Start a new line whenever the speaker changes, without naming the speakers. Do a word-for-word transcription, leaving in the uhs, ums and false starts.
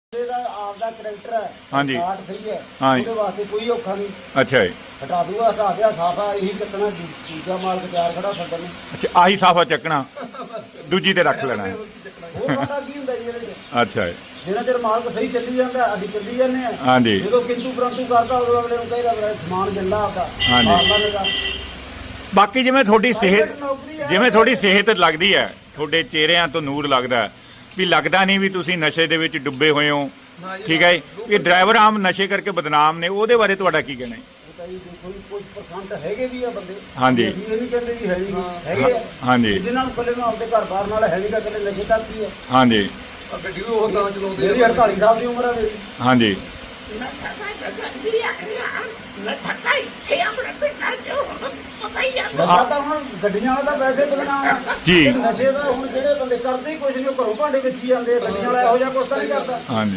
आपदा करैक्टर है
हाँ जी
काट सही है
हाँ जी
ਉਹਦੇ ਵਾਸਤੇ ਕੋਈ ਔਖਾ ਨਹੀਂ
अच्छा जी
ਹਟਾ ਦੂਗਾ ਹਟਾ ਦਿਆ ਸਾਫਾ ਇਹੀ ਚੱਕਣਾ ਦੂਜਾ ਮਾਲਕ ਤਿਆਰ ਖੜਾ ਛੱਡਣ ਨੂੰ
अच्छा आही साफा चकना दूजी ते रख लेना है
ਉਹ ਸਾਡਾ ਕੀ ਹੁੰਦਾ ਜੀ ਇਹਦੇ ਚ
अच्छा जी
ਜਿੰਨਾ ਚਿਰ ਮਾਲਕ ਸਹੀ ਚੱਲੀ ਜਾਂਦਾ ਅਸੀਂ ਚੱਲੀ ਜਾਂਦੇ ਆ
हाँ जी
ਜਦੋਂ ਕਿੰਤੂ ਪ੍ਰੰਤੂ ਕਰਦਾ ਉਦੋਂ ਅਗਲੇ ਨੂੰ ਕਹੇਗਾ ਮੇਰਾ ਸਮਾਨ ਜੰਦਾ ਆਪਦਾ
हाँ जी।
ਆਪਦਾ ਲਗਾ
ਬਾਕੀ ਜਿਵੇਂ ਤੁਹਾਡੀ ਸਿਹਤ
ਨੌਕਰੀ ਹੈ
ਜਿਵੇਂ ਤੁਹਾਡੀ ਸਿਹਤ ਲੱਗਦੀ ਹੈ ਤੁਹਾਡੇ ਚਿਹਰਿਆਂ ਤੋਂ ਨੂਰ ਲੱਗਦਾ ਹੈ, ਵੀ ਲੱਗਦਾ ਨਹੀਂ ਵੀ ਤੁਸੀਂ ਨਸ਼ੇ ਦੇ ਵਿੱਚ ਡੁੱਬੇ ਹੋਏ ਹੋ ਠੀਕ ਹੈ ਜੀ। ਇਹ ਡਰਾਈਵਰ ਆਮ ਨਸ਼ੇ ਕਰਕੇ ਬਦਨਾਮ ਨੇ ਉਹਦੇ ਬਾਰੇ ਤੁਹਾਡਾ ਕੀ ਕਹਿਣਾ ਹੈ?
ਉਹ ਤਾਂ ਜੀ ਦੇਖੋ ਜੀ ਕੁਝ ਪਰਸੈਂਟ ਹੈਗੇ ਵੀ ਆ ਬੰਦੇ
ਹਾਂਜੀ।
ਅਸੀਂ ਇਹ ਨਹੀਂ ਕਹਿੰਦੇ ਵੀ ਹੈ ਨਹੀਂ ਹੈਗੇ ਆ
ਹਾਂਜੀ
ਜਿਨ੍ਹਾਂ ਨੂੰ ਕੱਲੇ ਨੂੰ ਆਪਦੇ ਘਰ ਬਾਹਰ ਨਾਲ ਹੈ ਨਹੀਂ ਗਾ ਕੱਲੇ ਨਸ਼ੇ ਤੱਕ ਹੀ ਆ
ਹਾਂਜੀ
ਗੱਡੀ ਵੀ ਉਹ ਤਾਂ ਚਲਾਉਂਦੇ ਮੇਰੀ ਅੜਤਾਲੀ ਸਾਲ ਦੀ ਉਮਰ ਆ ਮੇਰੀ
ਹਾਂਜੀ
ਨਸ਼ਾ ਤਾਂ ਹੁਣ ਗੱਡੀਆਂ ਵਾਲਾ ਤਾਂ ਵੈਸੇ ਬਦਨਾਮ ਆ
ਜੀ।
ਤੇ ਨਸ਼ੇ ਦਾ ਹੁਣ ਜਿਹੜੇ ਬੰਦੇ ਕਰਦੇ ਹੀ ਕੁਛ ਨਹੀਂ ਉਹ ਘਰੋਂ ਭਾਂਡੇ ਵਿੱਚ ਹੀ ਜਾਂਦੇ ਆ, ਗੱਡੀਆਂ ਵਾਲਾ ਇਹੋ ਜਿਹਾ ਕੁਛ ਤਾਂ ਨਹੀਂ ਕਰਦਾ
ਹਾਂਜੀ